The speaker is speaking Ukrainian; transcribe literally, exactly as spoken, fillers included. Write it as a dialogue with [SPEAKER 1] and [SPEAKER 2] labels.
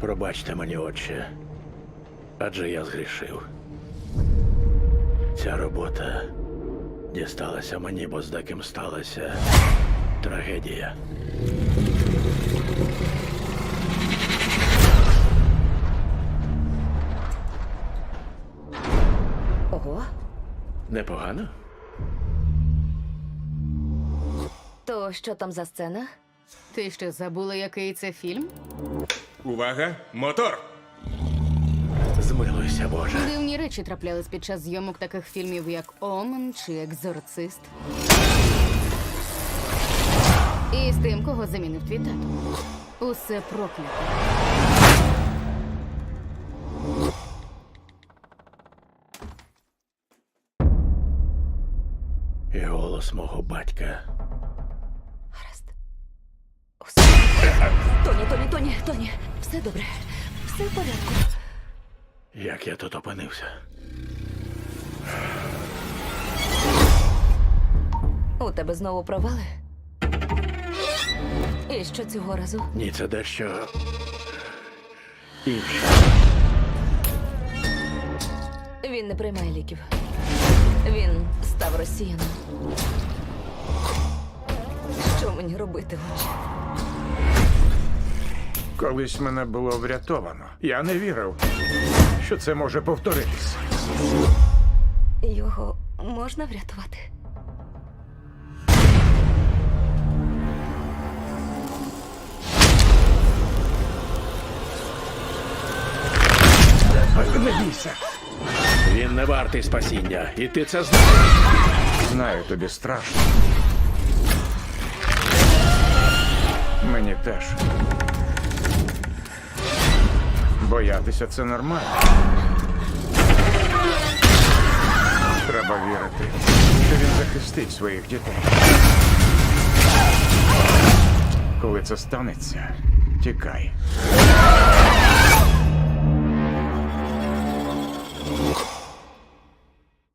[SPEAKER 1] Пробачте мені, отче, адже я згрішив. Ця робота дісталася мені, бо з деким сталася трагедія.
[SPEAKER 2] Ого.
[SPEAKER 1] Непогано?
[SPEAKER 2] То що там за сцена?
[SPEAKER 3] Ти що, забула, який це фільм?
[SPEAKER 4] Увага! Мотор!
[SPEAKER 1] Змилуйся, Боже.
[SPEAKER 3] Дивні речі траплялись під час зйомок таких фільмів, як Омен чи Екзорцист. І з тим, кого замінив твій тато. Усе проклято.
[SPEAKER 1] І голос мого батька.
[SPEAKER 2] Гаразд. Усе. Тоні, Тоні, Тоні, Тоні. Все добре. Все в порядку.
[SPEAKER 1] Як я тут опинився?
[SPEAKER 2] У тебе знову провали? І що цього разу?
[SPEAKER 1] Ні, це дещо інше.
[SPEAKER 2] Він не приймає ліків. Він став росіяном. Що мені робити, отче?
[SPEAKER 5] Колись мене було врятовано. Я не вірив, що це може повторитись.
[SPEAKER 2] Його можна врятувати?
[SPEAKER 5] Не бійся.
[SPEAKER 1] Він не вартий спасіння, і ти це знаєш.
[SPEAKER 5] Знаю, тобі страшно. Мені теж. Боятися це нормально. Треба вірити, що він захистить своїх дітей. Коли це станеться, тікай.